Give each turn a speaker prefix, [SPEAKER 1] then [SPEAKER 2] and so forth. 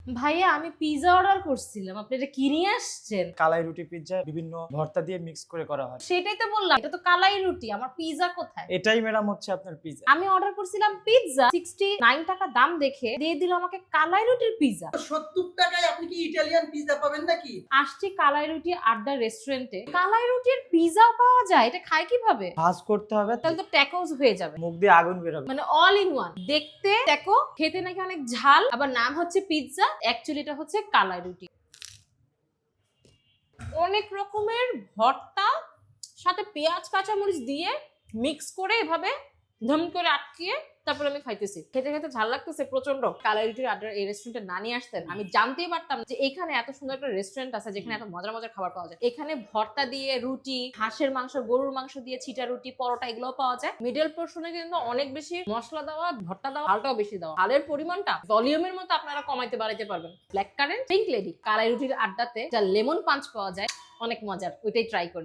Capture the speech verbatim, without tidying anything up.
[SPEAKER 1] ভাইয়া আমি pizza order করছিলাম, আপনি এটা কি নিয়ে আসছেন?
[SPEAKER 2] কালাই রুটি পিৎজা বিভিন্ন ভর্তা দিয়ে মিক্স করে করা হয়।
[SPEAKER 1] সেটাই তো বললাম, এটা তো কালাই রুটি, আমার পিৎজা কোথায়?
[SPEAKER 2] এটাই ম্যাডাম হচ্ছে আপনার পিৎজা।
[SPEAKER 1] আমি অর্ডার করছিলাম পিৎজা, সিক্সটি নাইন টাকা দাম দেখে দিয়ে দিল আমাকে কালাই রুটির পিৎজা।
[SPEAKER 3] সত্তর টাকায় আপনি কি ইটালিয়ান পিৎজা পাবেন নাকি?
[SPEAKER 1] আসছি কালাই রুটি আড্ডা রেস্টুরেন্টে, কালাই রুটির পিৎজাও পাওয়া যায়, এটা খাই কিভাবে?
[SPEAKER 2] ভাজ করতে হবে,
[SPEAKER 1] তাহলে তো ট্যাকোস হয়ে যাবে,
[SPEAKER 2] মুখ দিয়ে আগুন বের হবে।
[SPEAKER 1] মানে অল ইন ওয়ান। দেখতে ট্যাকো, খেতে নাকি অনেক ঝাল, আবার নাম হচ্ছে পিৎজা, অ্যাকচুয়ালি এটা হচ্ছে কালাই রুটি। অনেক রকমের ভর্তা সাথে পেঁয়াজ কাঁচামরিচ দিয়ে মিক্স করে এভাবে ধম করে আটকিয়ে তারপর আমি খাইতেছি। খেতে খেতে ঝাল লাগতেছে প্রচন্ড। কালাই রুটির আড্ডার এই রেস্টুরেন্টে না নিয়ে আসতেন আমি জানতেই পারতাম যে এখানে এত সুন্দর একটা রেস্টুরেন্ট আছে যেখানে এত মজার মজার খাবার পাওয়া যায়। এখানে ভর্তা দিয়ে রুটি, হাঁসের মাংস, গরুর মাংস দিয়ে ছিটা রুটি, পরোটা এগুলোও পাওয়া যায়। মিডল পোর্শনে কিন্তু অনেক বেশি মশলা দেওয়া, ভর্তা দেওয়া, ঝালটাও বেশি দেওয়া। ঝালের পরিমাণটা ভলিউমের মতো আপনারা কমাইতে বাড়াইতে পারবেন। ব্ল্যাক কারেন্ট, পিঙ্ক লেডি, কালাই রুটির আড্ডাতে যা লেমন পাঞ্চ পাওয়া যায় অনেক মজার, ওইটাই ট্রাই করি।